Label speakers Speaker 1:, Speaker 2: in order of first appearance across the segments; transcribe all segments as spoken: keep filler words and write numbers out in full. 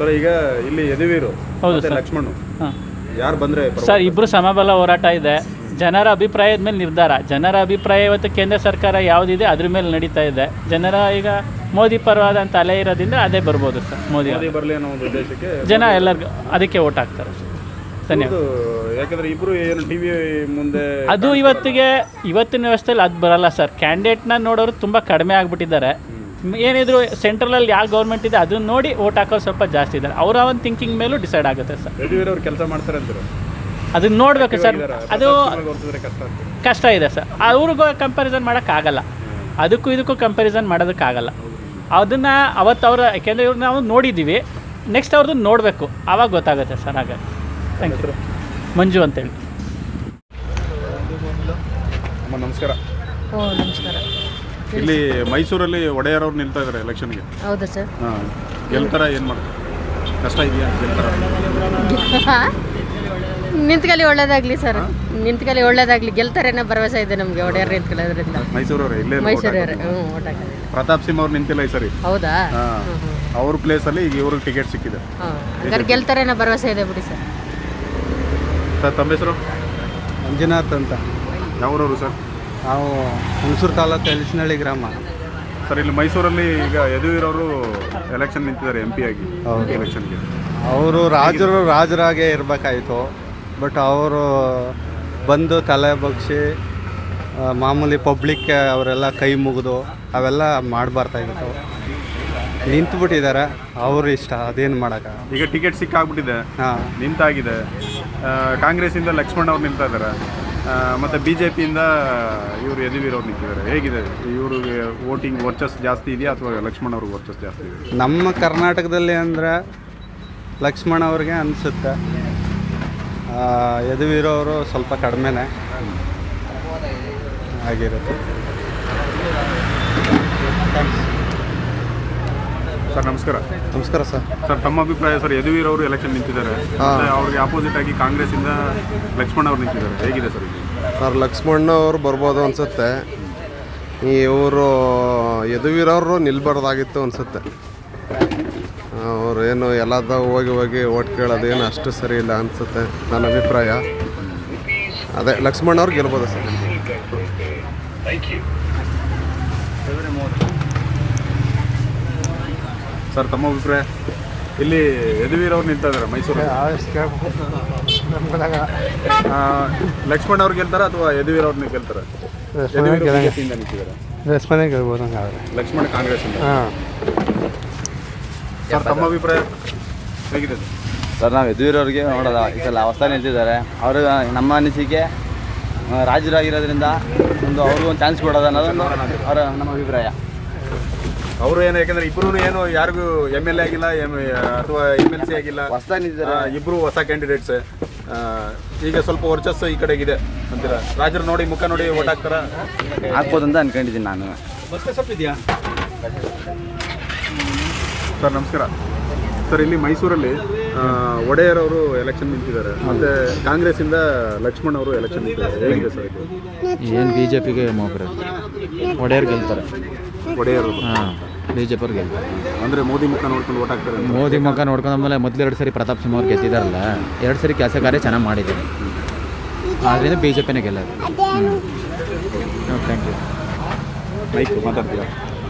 Speaker 1: Sir ಈಗ ಇಲ್ಲಿ ಯದುವೀರು
Speaker 2: ಹೌದು
Speaker 1: ಮತ್ತೆ
Speaker 2: ಸರ್.
Speaker 1: ಲಕ್ಷ್ಮಣ್
Speaker 2: ಹಾಂ
Speaker 1: ಯಾರು ಬಂದರೆ
Speaker 2: ಸರ್, ಇಬ್ಬರು ಸಮಬಲ ಹೋರಾಟ ಇದೆ. ಜನರ ಅಭಿಪ್ರಾಯದ ಮೇಲೆ ನಿರ್ಧಾರ. ಜನರ ಅಭಿಪ್ರಾಯ ಇವತ್ತು ಕೇಂದ್ರ ಸರ್ಕಾರ ಯಾವುದಿದೆ ಅದ್ರ ಮೇಲೆ ನಡೀತಾ ಇದೆ. ಜನರ ಈಗ ಮೋದಿ ಪರವಾದಂಥ ಅಲೆ ಇರೋದ್ರಿಂದ ಅದೇ ಬರ್ಬೋದು ಸರ್. ಮೋದಿ
Speaker 1: ಮೋದಿ ಬರಲಿ ಅನ್ನೋ ಒಂದು ಉದ್ದೇಶಕ್ಕೆ
Speaker 2: ಜನ ಎಲ್ಲರಿಗೂ ಅದಕ್ಕೆ ಓಟ್ ಹಾಕ್ತಾರೆ ಸರ್. ಧನ್ಯವಾದ.
Speaker 1: ಯಾಕಂದ್ರೆ ಇಬ್ರು ಏನು ಟಿ ವಿ ಮುಂದೆ
Speaker 2: ಅದು ಇವತ್ತಿಗೆ ಇವತ್ತಿನ ವ್ಯವಸ್ಥೆಯಲ್ಲಿ ಅದು ಬರಲ್ಲ ಸರ್. ಕ್ಯಾಂಡಿಡೇಟ್ನ ನೋಡೋರು ತುಂಬ ಕಡಿಮೆ ಆಗಿಬಿಟ್ಟಿದ್ದಾರೆ. ಏನಿದ್ರು ಸೆಂಟ್ರಲಲ್ಲಿ ಯಾವ ಗೌರ್ಮೆಂಟ್ ಇದೆ ಅದನ್ನ ನೋಡಿ ಓಟ್ ಹಾಕೋರು ಸ್ವಲ್ಪ ಜಾಸ್ತಿ ಇದ್ದಾರೆ. ಅವರ ಒಂದು ಥಿಂಕಿಂಗ್ ಮೇಲೂ ಡಿಸೈಡ್ ಆಗುತ್ತೆ ಸರ್.
Speaker 1: ಯದುವೀರ್ ಅವ್ರು ಕೆಲಸ ಮಾಡ್ತಾರೆ ಅಂತಾರೆ,
Speaker 2: ಅದನ್ನ ನೋಡಬೇಕು ಸರ್. ಅದು
Speaker 1: ಕಷ್ಟ
Speaker 2: ಕಷ್ಟ ಇದೆ ಸರ್. ಅವ್ರಿಗೂ ಕಂಪ್ಯಾರಿಸನ್ ಮಾಡೋಕ್ಕಾಗಲ್ಲ. ಅದಕ್ಕೂ ಇದಕ್ಕೂ ಕಂಪ್ಯಾರಿಸನ್ ಮಾಡೋದಕ್ಕಾಗಲ್ಲ. ಅದನ್ನು ಅವತ್ತು ಅವ್ರ ಯಾಕೆಂದರೆ ಇವ್ರು ನಾವು ನೋಡಿದ್ದೀವಿ. ನೆಕ್ಸ್ಟ್ ಅವ್ರದ್ದು ನೋಡಬೇಕು, ಆವಾಗ ಗೊತ್ತಾಗುತ್ತೆ ಸರ್. ಹಾಗಾಗಿ ಥ್ಯಾಂಕ್ ಯು. ಮಂಜು ಅಂತೇಳಿ.
Speaker 1: ಅಮ್ಮ ನಮಸ್ಕಾರ.
Speaker 3: ಓ ನಮಸ್ಕಾರ.
Speaker 1: ಇಲ್ಲಿ ಮೈಸೂರಲ್ಲಿ ಒಡೆಯರ್ ಅವ್ರು ನಿಲ್ತಾ ಇದ್ದಾರೆ ಎಲೆಕ್ಷನ್ಗೆ.
Speaker 3: ಹೌದಾ ಸರ್?
Speaker 1: ಹಾಂ, ಗೆಲ್ತಾರ ಏನು ಮಾಡ್ತಾರೆ? ಕಷ್ಟ ಇದೆಯಾ ಗೆಲ್ತಾರ?
Speaker 3: ನಿಂತ್ಕಲಿ ಒಳ್ಳೇದಾಗಲಿ ಸರ್. ನಿಂತ್ಕಲಿ ಒಳ್ಳೇದಾಗಲಿ. ಗೆಲ್ತಾರೆ ಅನ್ನೋ ಭರವಸೆ ಇದೆ ನಮಗೆ ಒಡೆಯರ್ ನಿಂತ್ಕೊಳ್ಳೋದ್ರಿಂದ.
Speaker 1: ಮೈಸೂರವ್ರೆ ಇಲ್ಲೇ
Speaker 3: ಮೈಸೂರವ್ರೆ. ಹ್ಞೂ ಓಟ್ ಹಾಕೋದು.
Speaker 1: ಪ್ರತಾಪ್ ಸಿಂಹ ಅವ್ರು ನಿಂತಿಲ್ಲ ಈ ಸರಿ.
Speaker 3: ಹೌದಾ?
Speaker 1: ಹಾಂ, ಅವ್ರ ಪ್ಲೇಸಲ್ಲಿ ಈಗ ಇವ್ರಿಗೆ ಟಿಕೆಟ್ ಸಿಕ್ಕಿದೆ.
Speaker 3: ಹಾಂ, ಹಂಗಾರೆ ಗೆಲ್ತಾರೆ ಅನ್ನೋ ಭರವಸೆ ಇದೆ ಬಿಡಿ ಸರ್.
Speaker 1: ಸರ್ ತಮ್ಮ ಹೆಸರು?
Speaker 4: ಮಂಜುನಾಥ್ ಅಂತ.
Speaker 1: ಯಾವೂರವರು ಸರ್?
Speaker 4: ನಾವು ಹುಣಸೂರು ತಾಲೂಕು ಎಲಿಸ್ನಳ್ಳಿ ಗ್ರಾಮ.
Speaker 1: ಸರ್ ಇಲ್ಲಿ ಮೈಸೂರಲ್ಲಿ ಈಗ ಯದುವೀರ್ ಅವರು ಎಲೆಕ್ಷನ್ ನಿಂತಿದ್ದಾರೆ ಎಂ ಪಿ ಆಗಿ.
Speaker 4: ಹೌದು.
Speaker 1: ಎಲೆಕ್ಷನ್ಗೆ
Speaker 4: ಅವರು ರಾಜರು ರಾಜರಾಗೇ ಇರಬೇಕಾಯಿತು. ಬಟ್ ಅವರು ಬಂದು ತಲೆ ಬಗ್ಸಿ ಮಾಮೂಲಿ ಪಬ್ಲಿಕ್ಗೆ ಅವರೆಲ್ಲ ಕೈ ಮುಗಿದು ಅವೆಲ್ಲ ಮಾಡಬಾರ್ದಾಗಿತ್ತು. ನಿಂತುಬಿಟ್ಟಿದ್ದಾರೆ. ಅವರು ಇಷ್ಟ, ಅದೇನು ಮಾಡೋಕ್ಕ.
Speaker 1: ಈಗ ಟಿಕೆಟ್ ಸಿಕ್ಕಾಗ್ಬಿಟ್ಟಿದೆ.
Speaker 4: ಹಾಂ,
Speaker 1: ನಿಂತಾಗಿದೆ. ಕಾಂಗ್ರೆಸ್ಸಿಂದ ಲಕ್ಷ್ಮಣ್ ಅವ್ರು ನಿಲ್ತಾ ಇದ್ದಾರೆ, ಮತ್ತು ಬಿ ಜೆ ಪಿಯಿಂದ ಇವರು ಯದುವೀರ್ ಅವ್ರು ನಿಂತಿದ್ದಾರೆ. ಹೇಗಿದೆ ಇವ್ರಿಗೆ ವೋಟಿಂಗ್ ವರ್ಚಸ್ ಜಾಸ್ತಿ ಇದೆಯಾ ಅಥವಾ ಲಕ್ಷ್ಮಣ್ ಅವ್ರಿಗೆ ವರ್ಚಸ್ ಜಾಸ್ತಿ ಇದೆ?
Speaker 4: ನಮ್ಮ ಕರ್ನಾಟಕದಲ್ಲಿ ಅಂದರೆ ಲಕ್ಷ್ಮಣ ಅವ್ರಿಗೆ ಅನಿಸುತ್ತೆ. ಯದುವೀರವರು ಸ್ವಲ್ಪ ಕಡಿಮೆನೇ ಆಗಿರುತ್ತೆ.
Speaker 1: ಸರ್ ನಮಸ್ಕಾರ.
Speaker 4: ನಮಸ್ಕಾರ ಸರ್.
Speaker 1: ಸರ್ ತಮ್ಮ ಅಭಿಪ್ರಾಯ ಸರ್, ಯದುವೀರ್ ಅವರು ಎಲೆಕ್ಷನ್ ನಿಂತಿದ್ದಾರೆ, ಮತ್ತೆ ಅವ್ರಿಗೆ ಅಪೋಸಿಟ್ ಆಗಿ ಕಾಂಗ್ರೆಸ್ಸಿಂದ ಲಕ್ಷ್ಮಣ್ ಅವ್ರು ನಿಂತಿದ್ದಾರೆ. ಹೇಗಿದೆ ಸರ್ ಇದು?
Speaker 5: ಸರ್ ಲಕ್ಷ್ಮಣ್ ಅವರು ಬರ್ಬೋದು ಅನಿಸುತ್ತೆ. ಇವರು ಯದುವೀರವರು ನಿಲ್ಬಾರ್ದಾಗಿತ್ತು ಅನಿಸುತ್ತೆ. ಅವರು ಏನು ಎಲ್ಲದ ಹೋಗಿ ಹೋಗಿ ಓಟ್ ಕೇಳೋದೇನು ಅಷ್ಟು ಸರಿ ಇಲ್ಲ ಅನಿಸುತ್ತೆ ನನ್ನ ಅಭಿಪ್ರಾಯ. ಅದೇ ಲಕ್ಷ್ಮಣ್ ಅವ್ರು ಗೆಲ್ಬೋದು ಸರ್.
Speaker 1: ಸರ್ ತಮ್ಮ ಅಭಿಪ್ರಾಯ? ಇಲ್ಲಿ ಯದುವೀರ್ ಅವ್ರು ನಿಂತ ಇದ್ದಾರೆ ಮೈಸೂರು. ಲಕ್ಷ್ಮಣ್ ಅವ್ರು ಗೆಲ್ತಾರ ಅಥವಾ ಯದುವೀರ್ ಅವ್ರನ್ನ ಗೆಲ್ತಾರೆ?
Speaker 4: ರೆಸ್ಪಾನ್ಸ್ ಗೆಲ್ಬೋದು ಹಂಗಾದ್ರೆ.
Speaker 1: ಲಕ್ಷ್ಮಣ್ ಕಾಂಗ್ರೆಸ್ ಇಂದ.
Speaker 4: ಹಾಂ
Speaker 1: ಸರ್ ತಮ್ಮ ಅಭಿಪ್ರಾಯ ಹೇಗಿದೆ
Speaker 6: ಸರ್? ನಾವು ಯದುವೀರವ್ರಿಗೆ ನೋಡೋದ ಈ ಸಲ ಹೊಸ ನಿಂತಿದ್ದಾರೆ. ಅವರು ನಮ್ಮ ಅನಿಸಿಕೆ ರಾಜರಾಗಿರೋದ್ರಿಂದ ಒಂದು ಅವ್ರಿಗೂ ಒಂದು ಚಾನ್ಸ್ ಕೊಡೋದು ಅನ್ನೋದು ಅವರ ನಮ್ಮ ಅಭಿಪ್ರಾಯ.
Speaker 1: ಅವರು ಏನು, ಯಾಕಂದ್ರೆ ಇಬ್ರು ಏನು ಯಾರಿಗೂ ಎಮ್ ಎಲ್ ಎ ಆಗಿಲ್ಲ ಎಮ್ ಅಥವಾ ಎಮ್ ಎಲ್ ಸಿ ಆಗಿಲ್ಲ,
Speaker 6: ಹೊಸ ನಿಂತಿದ್ದಾರೆ.
Speaker 1: ಇಬ್ರು ಹೊಸ ಕ್ಯಾಂಡಿಡೇಟ್ಸ್. ಈಗ ಸ್ವಲ್ಪ ವರ್ಚಸ್ಸು ಈ ಕಡೆಗಿದೆ ಅಂತೀರ? ರಾಜರು ನೋಡಿ ಮುಖ ನೋಡಿ ಓಟ್ ಹಾಕ್ತಾರ?
Speaker 6: ಹಾಕ್ಬೋದು ಅಂತ ಅನ್ಕೊಂಡಿದ್ದೀನಿ ನಾನು.
Speaker 1: ಸರ್ ನಮಸ್ಕಾರ. ಸರ್ ಇಲ್ಲಿ ಮೈಸೂರಲ್ಲಿ ಒಡೆಯರ್ ಅವರು ಎಲೆಕ್ಷನ್ ನಿಂತಿದ್ದಾರೆ, ಮತ್ತು ಕಾಂಗ್ರೆಸ್ಸಿಂದ ಲಕ್ಷ್ಮಣ್ ಅವರು ಎಲೆಕ್ಷನ್ ನಿಂತಿದ್ದಾರೆ. ಹೇಗಿದೆ ಸರ್ ಇದು?
Speaker 7: ಏನು ಬಿ ಜೆ ಪಿಗೆ ಮೊಬ್ಬರು ಒಡೆಯರ್ ಗೆಲ್ತಾರೆ.
Speaker 1: ಒಡೆಯರ್
Speaker 7: ಹಾಂ, ಬಿ ಜೆ ಪಿಯವ್ರು ಗೆಲ್ತಾರೆ.
Speaker 1: ಅಂದರೆ ಮೋದಿ ಮುಖ ನೋಡ್ಕೊಂಡು ಓಟ್ ಹಾಕ್ತಾರೆ.
Speaker 7: ಮೋದಿ ಮುಖ ನೋಡ್ಕೊಂಡ್ಮೇಲೆ ಮೊದಲು ಎರಡು ಸರಿ ಪ್ರತಾಪ್ ಸಿಂಹ ಅವ್ರು ಗೆದ್ದಿದ್ದಾರಲ್ಲ, ಎರಡು ಸರಿ ಕೆಲಸ ಕಾರ್ಯ ಚೆನ್ನಾಗಿ ಮಾಡಿದ್ದೀನಿ. ಆದ್ದರಿಂದ ಬಿ ಜೆ ಪಿನೇ ಗೆಲ್ಲೋದು. Thank you.
Speaker 1: ಮೈಕ್ ಮಾತಾಡ್ತೀರಾ?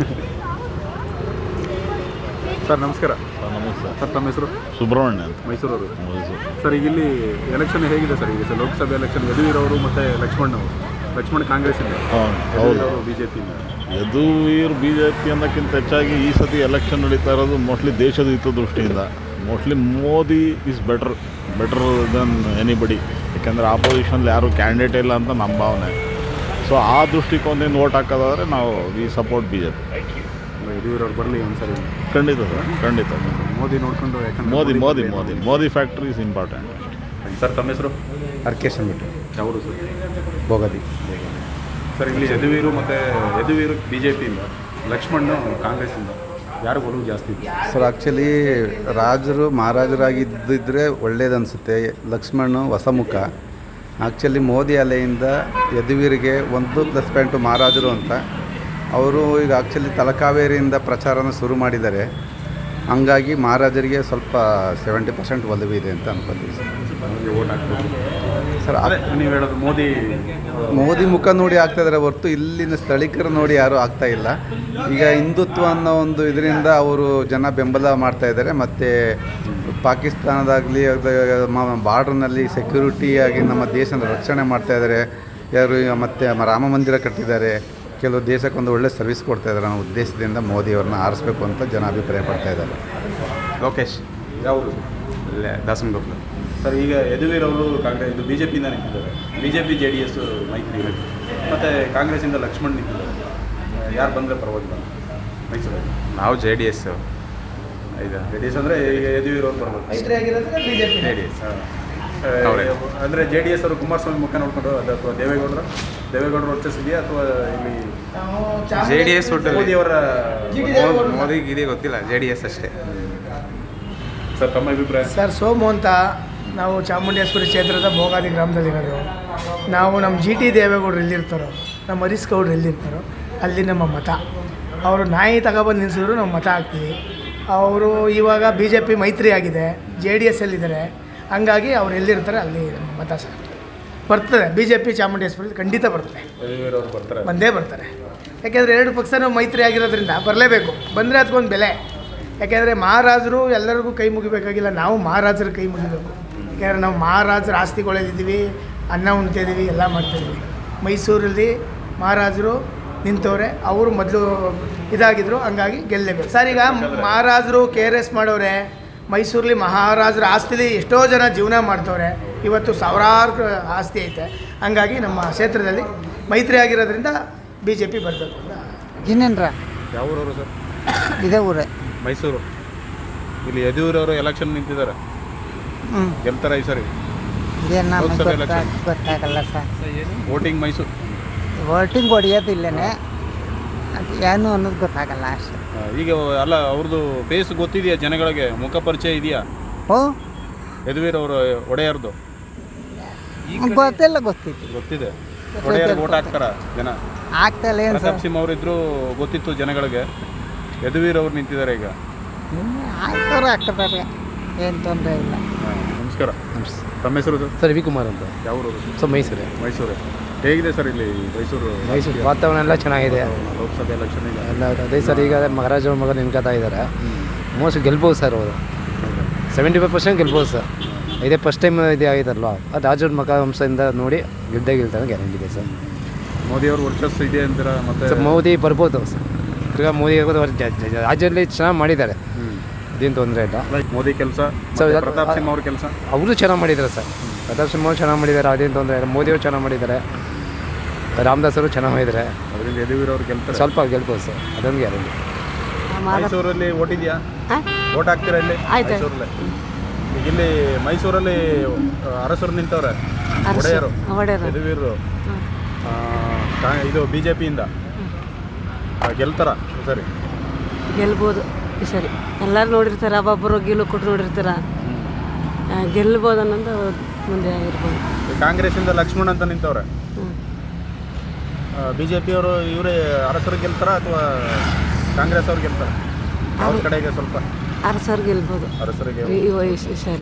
Speaker 1: ಸರ್ ನಮಸ್ಕಾರ.
Speaker 8: ನಮಸ್ತೆ
Speaker 1: ಸರ್ ತಮ್ಮ ಹೆಸರು?
Speaker 8: ಸುಬ್ರಹ್ಮಣ್ಯ ಅಂತ,
Speaker 1: ಮೈಸೂರವರು.
Speaker 8: ಮೈಸೂರು.
Speaker 1: ಸರ್ ಈಗ ಇಲ್ಲಿ ಎಲೆಕ್ಷನ್ ಹೇಗಿದೆ ಸರ್? ಈಗ ಸರ್ ಲೋಕಸಭೆ ಎಲೆಕ್ಷನ್ ಯದುವೀರ್ ಅವರು ಮತ್ತು ಲಕ್ಷ್ಮಣ್ ಅವರು. ಲಕ್ಷ್ಮಣ್ ಕಾಂಗ್ರೆಸ್ಸಿಂದ,
Speaker 8: ಹಾಂ ಹೌದು.
Speaker 1: ಬಿ ಜೆ ಪಿಯಿಂದ.
Speaker 8: ಯದುವೀರ್ ಬಿ ಜೆ ಪಿ ಅನ್ನೋಕ್ಕಿಂತ ಹೆಚ್ಚಾಗಿ ಈ ಸತಿ ಎಲೆಕ್ಷನ್ ನಡೀತಾ ಇರೋದು ಮೋಸ್ಟ್ಲಿ ದೇಶದ ಹಿತದೃಷ್ಟಿಯಿಂದ. Mostly Modi is better better then anybody. ಯಾಕೆಂದರೆ ಆಪೋಸಿಷನ್ಲಿ ಯಾರು ಕ್ಯಾಂಡಿಡೇಟ್ ಇಲ್ಲ ಅಂತ ನಮ್ಮ ಭಾವನೆ. ಸೊ ಆ ದೃಷ್ಟಿಕೋನದಿಂದ ಓಟ್ ಹಾಕೋದಾದರೆ ನಾವು we support BJP.
Speaker 1: Yaduveer ಅವ್ರು ಬರಲಿ ಒಂದ್ಸರಿ.
Speaker 8: ಖಂಡಿತ ಸರ್, ಖಂಡಿತ.
Speaker 1: ಮೋದಿ ನೋಡಿಕೊಂಡು, ಯಾಕಂದ್ರೆ
Speaker 8: Modi Modi Modi Modi factor is important.
Speaker 1: Sir ತಮ್ಮ ಹೆಸರು?
Speaker 4: ಅರ್ಕೇಶ್ ಅಂದ್ಬಿಟ್ಟು.
Speaker 1: ಯಾವರು ಸರ್?
Speaker 4: ಭೋಗದಿ.
Speaker 1: ಸರ್ ಇಲ್ಲಿ ಯದುವೀರು ಮತ್ತು ಯದುವೀರು ಬಿ ಜೆ ಪಿಯಿಂದ, ಲಕ್ಷ್ಮಣ್ಣು ಕಾಂಗ್ರೆಸ್ಸಿಂದ, ಯಾರು ಒಲವು ಜಾಸ್ತಿ ಇದೆ
Speaker 4: ಸರ್? ಆ್ಯಕ್ಚುಲಿ ರಾಜರು ಮಹಾರಾಜರಾಗಿದ್ದಿದ್ರೆ ಒಳ್ಳೇದನ್ನಿಸುತ್ತೆ. ಲಕ್ಷ್ಮಣ್ ಹೊಸ ಮುಖ. ಆ್ಯಕ್ಚುಲಿ ಮೋದಿ ಅಲೆಯಿಂದ ಯದುವೀರಿಗೆ ಒಂದು ಪ್ಲಸ್ ಪಾಯಿಂಟು ಮಹಾರಾಜರು ಅಂತ. ಅವರು ಈಗ ಆ್ಯಕ್ಚುಲಿ ತಲಕಾವೇರಿಯಿಂದ ಪ್ರಚಾರನ ಶುರು ಮಾಡಿದ್ದಾರೆ. ಹಂಗಾಗಿ ಮಹಾರಾಜರಿಗೆ ಸ್ವಲ್ಪ ಸೆವೆಂಟಿ ಪರ್ಸೆಂಟ್ ಒಲವು ಇದೆ ಅಂತ ಅನ್ಕೋತೀವಿ ಸರ್.
Speaker 1: ಅವ್ರಿಗೆ ಓಟ್ ಹಾಕ್ಬೋದು
Speaker 4: ಸರ್
Speaker 1: ಅದೇ ನೀವು ಹೇಳೋದು ಮೋದಿ
Speaker 4: ಮೋದಿ ಮುಖ ನೋಡಿ ಆಗ್ತಾ ಇದ್ದಾರೆ ಹೊರತು ಇಲ್ಲಿನ ಸ್ಥಳೀಕರು ನೋಡಿ ಯಾರೂ ಆಗ್ತಾ ಇಲ್ಲ. ಈಗ ಹಿಂದುತ್ವ ಅನ್ನೋ ಒಂದು ಇದರಿಂದ ಅವರು ಜನ ಬೆಂಬಲ ಮಾಡ್ತಾ ಇದ್ದಾರೆ. ಮತ್ತು ಪಾಕಿಸ್ತಾನದಾಗಲಿ ಬಾರ್ಡ್ರ್ನಲ್ಲಿ ಸೆಕ್ಯೂರಿಟಿಯಾಗಿ ನಮ್ಮ ದೇಶನ ರಕ್ಷಣೆ ಮಾಡ್ತಾ ಇದ್ದಾರೆ. ಯಾರು ಮತ್ತು ರಾಮ ಮಂದಿರ ಕಟ್ಟಿದ್ದಾರೆ. ಕೆಲವು ದೇಶಕ್ಕೊಂದು ಒಳ್ಳೆ ಸರ್ವಿಸ್ ಕೊಡ್ತಾ ಇದ್ದಾರೆ ಅನ್ನೋ ಉದ್ದೇಶದಿಂದ ಮೋದಿಯವ್ರನ್ನ ಆರಿಸ್ಬೇಕು ಅಂತ ಜನ ಅಭಿಪ್ರಾಯ ಪಡ್ತಾ ಇದ್ದಾರೆ.
Speaker 9: ಲೋಕೇಶ್
Speaker 1: ಯಾವುದು
Speaker 9: ಇಲ್ಲೇ ದಾಸನಗೊಪ್ಪಲು.
Speaker 1: ಸರ್ ಈಗ ಯದುವೀರ್ ಅವರು ಕಾಂಗ್ರೆಸ್ ಇದು ಬಿ ಜೆ ಪಿಯಿಂದ ನಿಂತಿದ್ದಾರೆ. BJP JDS ಮೈತ್ರಿ ಮತ್ತು ಕಾಂಗ್ರೆಸ್ಸಿಂದ ಲಕ್ಷ್ಮಣ್ ನಿಂತಿದ್ದಾರೆ. ಯಾರು ಬಂದರೆ ಪರವಾಗಿಲ್ಲ ಮೈಸೂರಲ್ಲಿ?
Speaker 9: ನಾವು ಜೆ ಡಿ ಎಸ್ ಇದು
Speaker 1: ಜೆ ಡಿ ಎಸ್ ಅಂದರೆ ಈಗ ಯದುವೀರ್ ಅವ್ರು ಬರ್ಬೋದು.
Speaker 9: ಜೆ ಡಿ ಎಸ್ ಅವರೇ.
Speaker 1: ಅಂದರೆ ಜೆ ಡಿ ಎಸ್ ಅವರು ಕುಮಾರಸ್ವಾಮಿ ಮುಖ ನೋಡ್ಕೊಂಡು ಅದು ಅಥವಾ ದೇವೇಗೌಡರು ದೇವೇಗೌಡರು ವರ್ಚಸ್ ಇದೆಯಾ ಅಥವಾ ಇಲ್ಲಿ
Speaker 9: ಜೆ ಡಿ ಎಸ್ ಒಟ್ಟು
Speaker 1: ಮೋದಿಯವರ
Speaker 9: ಮೋದಿ ಗಿದಿ ಗೊತ್ತಿಲ್ಲ, ಜೆ ಡಿ ಎಸ್ ಅಷ್ಟೇ.
Speaker 1: ಸರ್ ತಮ್ಮ ಅಭಿಪ್ರಾಯ?
Speaker 10: ಸರ್ ಸೋಮು ಅಂತ ನಾವು ಚಾಮುಂಡೇಶ್ವರಿ ಕ್ಷೇತ್ರದ ಭೋಗಾದಿ ಗ್ರಾಮದಲ್ಲಿರೋದು. ನಾವು ನಮ್ಮ ಜಿ ಟಿ ದೇವೇಗೌಡರು ಎಲ್ಲಿರ್ತಾರೋ, ನಮ್ಮ ಹರೀಶ್ ಗೌಡ್ರು ಎಲ್ಲಿರ್ತಾರೋ ಅಲ್ಲಿ ನಮ್ಮ ಮತ. ಅವರು ನಾಯಿ ತಗೊಬಂದು ನಿಲ್ಲಿಸಿದ್ರು ನಾವು ಮತ ಹಾಕ್ತೀವಿ. ಅವರು ಇವಾಗ ಬಿ ಜೆ ಪಿ ಮೈತ್ರಿ ಆಗಿದೆ, ಜೆ ಡಿ ಎಸ್ ಎಲ್ಲಿದ್ದಾರೆ, ಹಂಗಾಗಿ ಅವ್ರು ಎಲ್ಲಿರ್ತಾರೆ ಅಲ್ಲಿ ನಮ್ಮ ಮತ ಸರ್ ಬರ್ತದೆ. ಬಿ ಜೆ ಪಿ ಚಾಮುಂಡೇಶ್ವರಿ ಖಂಡಿತ ಬರ್ತದೆ,
Speaker 1: ಯದುವೀರ್ ಅವರು ಬರ್ತಾರೆ,
Speaker 10: ಬಂದೇ ಬರ್ತಾರೆ. ಯಾಕೆಂದರೆ ಎರಡು ಪಕ್ಷನೂ ಮೈತ್ರಿ ಆಗಿರೋದ್ರಿಂದ ಬರಲೇಬೇಕು. ಬಂದರೆ ಅದಕ್ಕೊಂದು ಬೆಲೆ. ಯಾಕೆಂದರೆ ಮಹಾರಾಜರು ಎಲ್ಲರಿಗೂ ಕೈ ಮುಗಿಬೇಕಾಗಿಲ್ಲ, ನಾವು ಮಹಾರಾಜರ ಕೈ ಮುಗಿಬೇಕು. ಯಾಕೆಂದರೆ ನಾವು ಮಹಾರಾಜರ ಆಸ್ತಿಗಳಲ್ಲಿದ್ದೀವಿ, ಅನ್ನ ಉಣ್ತಿದ್ದೀವಿ, ಎಲ್ಲ ಮಾಡ್ತಿದ್ದೀವಿ. ಮೈಸೂರಲ್ಲಿ ಮಹಾರಾಜರು ನಿಂತವ್ರೆ, ಅವರು ಮೊದಲು ಇದಾಗಿದ್ದರು, ಹಂಗಾಗಿ ಗೆಲ್ಲಲೇಬೇಕು ಸರ್. ಈಗ ಮಹಾರಾಜರು ಕೆ ಆರ್ ಎಸ್ ಮಾಡವ್ರೆ, ಮೈಸೂರಲ್ಲಿ ಮಹಾರಾಜರ ಆಸ್ತಿಲಿ ಎಷ್ಟೋ ಜನ ಜೀವನ ಮಾಡ್ತವ್ರೆ. ಇವತ್ತು ಸಾವಿರಾರು ಆಸ್ತಿ ಐತೆ. ಹಂಗಾಗಿ ನಮ್ಮ ಕ್ಷೇತ್ರದಲ್ಲಿ ಮೈತ್ರಿ ಆಗಿರೋದ್ರಿಂದ ಬಿ ಜೆ ಪಿ ಬರಬೇಕು ಅಂತ.
Speaker 11: ಇನ್ನೇನ್ರ
Speaker 1: ಯಾವ ಊರವರು ಸರ್?
Speaker 11: ಇದೇ ಊರೇ,
Speaker 1: ಮೈಸೂರು. ಇಲ್ಲಿ ಯದುವೀರ್ ಅವರು ಎಲೆಕ್ಷನ್ ನಿಂತಿದ್ದಾರೆ,
Speaker 11: ಹ್ಞೂ
Speaker 1: ಗೆಲ್ತಾರೆ ಈ ಸರಿ
Speaker 11: ಇದೇನು ನಮಗೆ
Speaker 1: ಲೋಕಸಭೆ
Speaker 11: ಗೊತ್ತಾ
Speaker 1: election.
Speaker 11: ಗೊತ್ತಾಗಲ್ಲ ಸರ್.
Speaker 1: ವೋಟಿಂಗ್ ಮೈಸೂರು.
Speaker 11: ವೋಟಿಂಗ್ ಹೊಡಿಯೋದಿಲ್ಲನೇ, ಅದು ಏನು ಅನ್ನೋದು ಗೊತ್ತಾಗಲ್ಲ ಅಷ್ಟೇ.
Speaker 1: ಆ, ಈಗ ಅಲ್ಲ ಅವ್ರದ್ದು ಫೇಸ್ ಗೊತ್ತಿದೆಯಾ ಜನಗಳಿಗೆ? ಮುಖ ಪರಿಚಯ ಇದೆಯಾ
Speaker 11: ಓ
Speaker 1: ಯದುವೀರ್ ಅವರು ಒಡೆಯರ್ದು?
Speaker 11: ಗೊತ್ತಿಲ್ಲ, ಗೊತ್ತಿತ್ತು,
Speaker 1: ಗೊತ್ತಿದೆ. ಒಡೆಯರ್ ವೋಟ್ ಹಾಕ್ತಾರ ಜನ?
Speaker 11: ಆಗ್ತಾಯಿಲ್ಲ ಏನು ಸರ್.
Speaker 1: ಪ್ರತಾಪ್ ಸಿಂಹ ಅವರಿದ್ರು ಗೊತ್ತಿತ್ತು ಜನಗಳಿಗೆ. ಯದುವೀರ್ ಅವ್ರು ನಿಂತಿದ್ದಾರೆ ಈಗ.
Speaker 11: ಆಗ್ತವ್ರು ಆಗ್ತಾರೆ, ಏನು ತೊಂದರೆ ಇಲ್ಲ.
Speaker 1: ಆ, ನಮಸ್ಕಾರ. ತಮ್ಮ ಹೆಸರು ಸರ್?
Speaker 12: ಸರ್ ರವಿಕುಮಾರ್ ಅಂತ.
Speaker 1: ಯಾವ ಊರು?
Speaker 12: ಸರ್ ಮೈಸೂರೇ.
Speaker 1: ಮೈಸೂರೇ. ಹೇಗಿದೆ ಸರ್ ಇಲ್ಲಿ ಮೈಸೂರು?
Speaker 12: ಮೈಸೂರು ವಾತಾವರಣ ಎಲ್ಲ ಚೆನ್ನಾಗಿದೆ.
Speaker 1: ಲೋಕಸಭೆ ಎಲೆಕ್ಷನ್ ಈಗ
Speaker 12: ಎಲ್ಲ ಅದೇ ಸರ್. ಈಗ ಮಹಾರಾಜ ಮಗ ನಿಂತ್ಕೊತಾ ಇದ್ದಾರೆ. ಮೋಸ್ಟ್ ಗೆಲ್ಬೋದು ಸರ್ ಅವರು. ಸೆವೆಂಟಿ ಫೈವ್ ಪರ್ಸೆಂಟ್ ಗೆಲ್ಬೋದು ಸರ್. ಇದೇ ಫಸ್ಟ್ ಟೈಮ್ ಇದು ಆಗಿದ್ದಾರಲ್ವ, ಅದು ರಾಜವ್ರ ಮಗ ವಂಶದಿಂದ ನೋಡಿ ಗೆದ್ದೇ ಗೆಲ್ತಾನೆ ಗ್ಯಾರಂಟಿ ಇದೆ ಸರ್.
Speaker 1: ಮೋದಿಯವ್ರ ವರ್ಚಸ್ ಇದೆ ಅಂತೀರಾ? ಮತ್ತೆ
Speaker 12: ಸರ್ ಮೋದಿ ಬರ್ಬೋದು ಸರ್. ಈಗ ಮೋದಿ ರಾಜ್ಯದಲ್ಲಿ ಚೆನ್ನಾಗಿ ಮಾಡಿದ್ದಾರೆ, ಅದೇನು ತೊಂದರೆ ಇಲ್ಲ.
Speaker 1: ಮೋದಿ ಕೆಲಸ,
Speaker 12: ಸರ್
Speaker 1: ಪ್ರತಾಪ್ ಸಿಂಹ ಅವ್ರ ಕೆಲಸ
Speaker 12: ಅವರು ಚೆನ್ನಾಗಿ ಮಾಡಿದ್ದಾರೆ ಸರ್. ಪ್ರತಾಪ್ ಸಿಂಹ ಅವರು ಚೆನ್ನಾಗಿ ಮಾಡಿದ್ದಾರೆ, ಅದೇನು ತೊಂದರೆ ಇಲ್ಲ. ಮೋದಿಯವರು ಚೆನ್ನಾಗಿ ಮಾಡಿದ್ದಾರೆ, ರಾಮದಾಸ್ ಅವರು ಚೆನ್ನಾಗಿ ಮಾಡಿದ್ದಾರೆ.
Speaker 1: ಅದರಿಂದ ಯದುವೀರ್ ಅವ್ರು ಗೆಲ್ತಾರೆ.
Speaker 12: ಸ್ವಲ್ಪ ಗೆಲ್ಬೋದು ಸರ್, ಅದೊಂದು ಗ್ಯಾರಂಟಿ.
Speaker 1: ಮೈಸೂರಲ್ಲಿ ಓಟ್ ಇದೆಯಾ? ಓಟ್ ಹಾಕ್ತೀರಾ ಇಲ್ಲಿ ಮೈಸೂರಲ್ಲಿ? ಈಗ ಇಲ್ಲಿ ಮೈಸೂರಲ್ಲಿ ಅರಸರು ನಿಂತವ್ರೆ, ಒಡೆಯರು ಯದುವೀರು. ಇದು ಬಿ ಜೆ ಪಿಯಿಂದ ಗೆಲ್ತಾರ ಸರಿ?
Speaker 3: ಗೆಲ್ಬೋದು ಈ ಸರಿ. ಎಲ್ಲರೂ ನೋಡಿರ್ತಾರೆ, ಒಬ್ಬೊಬ್ಬರು ಗೆಲ್ಲು ಕೊಟ್ಟು ನೋಡಿರ್ತಾರ, ಗೆಲ್ಬೋದು ಅನ್ನೋದು ಮುಂದೆ ಇರ್ಬೋದು.
Speaker 1: ಕಾಂಗ್ರೆಸ್ಸಿಂದ ಲಕ್ಷ್ಮಣ್ ಅಂತ ನಿಂತವ್ರೆ. ಬಿ ಜೆ ಪಿಯವರು ಇವರೇ ಅರಸರು ಗೆಲ್ತಾರ ಅಥವಾ ಕಾಂಗ್ರೆಸ್ ಅವ್ರು ಗೆಲ್ತಾರ? ಅವ್ರ ಕಡೆಗೆ ಸ್ವಲ್ಪ
Speaker 3: ಅರಸರು ಗೆಲ್ಬೋದು
Speaker 1: ಅರಸರಿಗೆ
Speaker 3: ಈ ಸರಿ.